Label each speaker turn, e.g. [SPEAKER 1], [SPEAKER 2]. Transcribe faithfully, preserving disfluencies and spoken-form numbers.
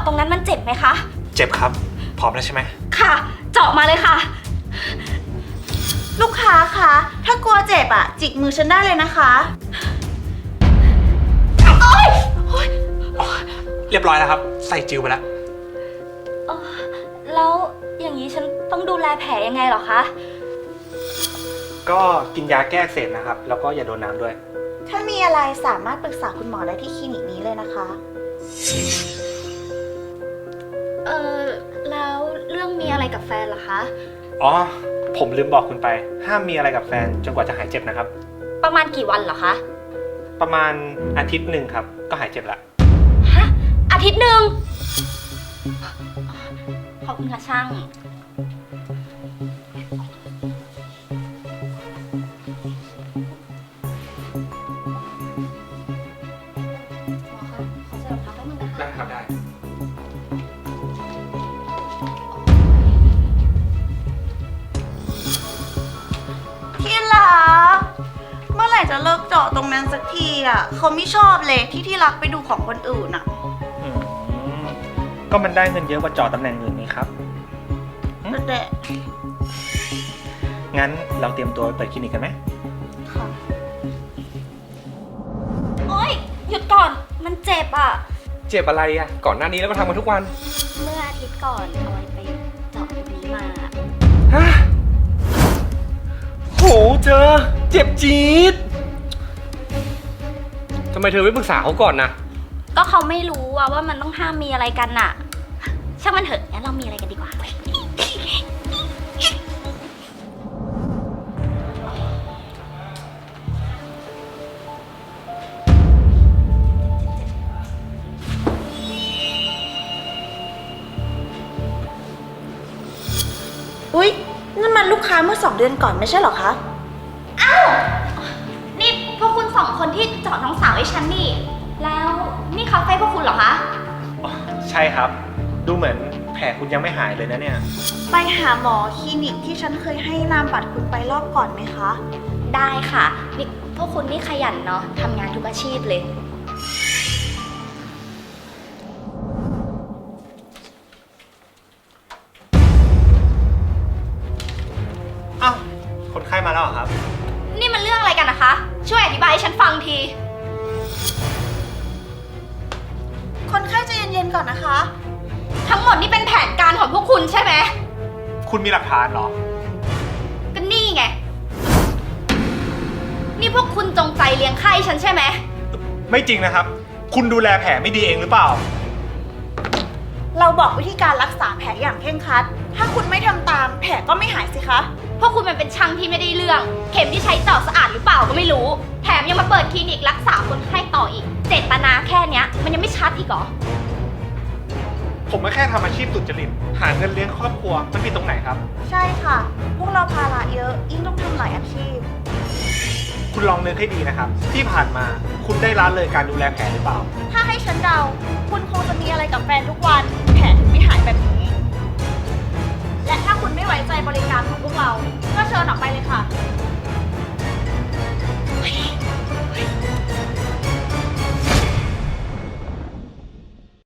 [SPEAKER 1] ตรงนั้นมันเจ็บไหมคะ
[SPEAKER 2] เจ็บครับพร้อมแล้วใช่ไหม
[SPEAKER 1] ค่ะเจาะมาเลยค่ะ
[SPEAKER 3] ลูกค้าคะถ้ากลัวเจ็บอะจิกมือฉันได้เลยนะคะ
[SPEAKER 1] โอ๊ย
[SPEAKER 2] เรียบร้อยแล้วครับใส่จิวไปแล้ว
[SPEAKER 1] แล้วอย่างนี้ฉันต้องดูแลแผลยังไงเหรอคะ
[SPEAKER 2] ก็กินยาแก้อักเสบนะครับแล้วก็อย่าโดนน้ำด้วย
[SPEAKER 3] ถ้ามีอะไรสามารถปรึกษาคุณหมอได้ที่คลินิกนี้เลยนะคะ
[SPEAKER 1] เออแล้วเรื่องมีอะไรกับแฟนเหรอคะ
[SPEAKER 2] อ๋อผมลืมบอกคุณไปห้ามมีอะไรกับแฟนจนกว่าจะหายเจ็บนะครับ
[SPEAKER 1] ประมาณกี่วันเหรอคะ
[SPEAKER 2] ประมาณอาทิตย์หนึ่งครับก็หายเจ็บละ
[SPEAKER 1] ฮะอาทิตย์หนึ่งขอบคุณค่ะช่าง
[SPEAKER 2] ได้ครับได้
[SPEAKER 3] ที่รักเมื่อไหร่จะเลิกเจาะตรงนั้นสักทีอ่ะเขาไม่ชอบเลยที่ที่รักไปดูของคนอื่นอ่ะ
[SPEAKER 2] ก็มันได้เงินเยอะกว่าเจาะตำแหน่งอื่นนี่ครับ
[SPEAKER 3] แต่
[SPEAKER 2] งั้นเราเตรียมตัวไปเปิดคลินิกกันไหม
[SPEAKER 3] ค่ะ
[SPEAKER 1] โอ๊ยหยุดก่อนมันเจ็บอ่ะ
[SPEAKER 2] เจ็บอะไรอ่ะก่อนหน้านี้แล้วก็ทำมาทุกวัน
[SPEAKER 1] เมื่ออาทิตย์ก่อนออยไปเจาะตรงนี้มา
[SPEAKER 2] ฮะโหเจอเจ็บจี๊ดทำไมเธอไม่ปรึกษาเขาก่อนนะ
[SPEAKER 1] ก็เขาไม่รู้ว่ามันต้องห้ามมีอะไรกันน่ะช่างมันเถอะงั้นเรามีอะไรกันดีกว่า
[SPEAKER 3] อุ๊ยนั่นมันลูกค้าเมื่อสองเดือนก่อนไม่ใช่เหรอคะ
[SPEAKER 1] อ้าวนี่พวกคุณสองคนที่เจาะน้องสาวให้ฉันนี่แล้วนี่คาเฟ่พวกคุณเหรอคะ
[SPEAKER 2] ใช่ครับดูเหมือนแผลคุณยังไม่หายเลยนะเนี่ย
[SPEAKER 3] ไปหาหมอคลินิกที่ฉันเคยให้นามบัตรคุณไปรอบก่อนไหมคะ
[SPEAKER 1] ได้ค่ะนี่พวกคุณนี่ขยันเนาะทำงานทุกอาชีพเลย
[SPEAKER 2] อ้าวคนไข้มาแล้วเหรอครับ
[SPEAKER 1] นี่มันเรื่องอะไรกันนะคะช่วยอธิบายให้ฉันฟังที
[SPEAKER 3] คนไข้ใจเย็นๆก่อนนะคะ
[SPEAKER 1] ทั้งหมดนี่เป็นแผนการของพวกคุณใช่ไหม
[SPEAKER 2] คุณมีหลักฐานเหรอ
[SPEAKER 1] ก็นี่ไงนี่พวกคุณจงใจเลี้ยงไข้ฉันใช่ไหม
[SPEAKER 2] ไม่จริงนะครับคุณดูแลแผลไม่ดีเองหรือเปล่า
[SPEAKER 3] เราบอกวิธีการรักษาแผลอย่างเคร่งครัดถ้าคุณไม่ทำตามแผลก็ไม่หายสิคะ
[SPEAKER 1] พวกคุณมันเป็นช่างที่ไม่ได้เรื่องเข็มที่ใช้เจาะสะอาดหรือเปล่าก็ไม่รู้แถมยังมาเปิดคลินิกรักษาคนไข้ต่ออีกเจตนาแค่เนี้ยมันยังไม่ชัดอีกเหรอ
[SPEAKER 2] ผมก็แค่ทำอาชีพสุจริตหาเงินเลี้ยงครอบครัวมันผิดตรงไหนครับ
[SPEAKER 3] ใช่ค่ะพวกเราภาระเยอะยิ่งต้องทำหลายอาชีพ
[SPEAKER 2] คุณลองนึกให้ดีนะครับที่ผ่านมาคุณได้ละเลยการดูแลแผลหรือเปล่า
[SPEAKER 3] ถ้าให้ฉันเดาคุณคงจะมีอะไรกับแฟนทุกวันแผลถึงไม่หายแบบนี้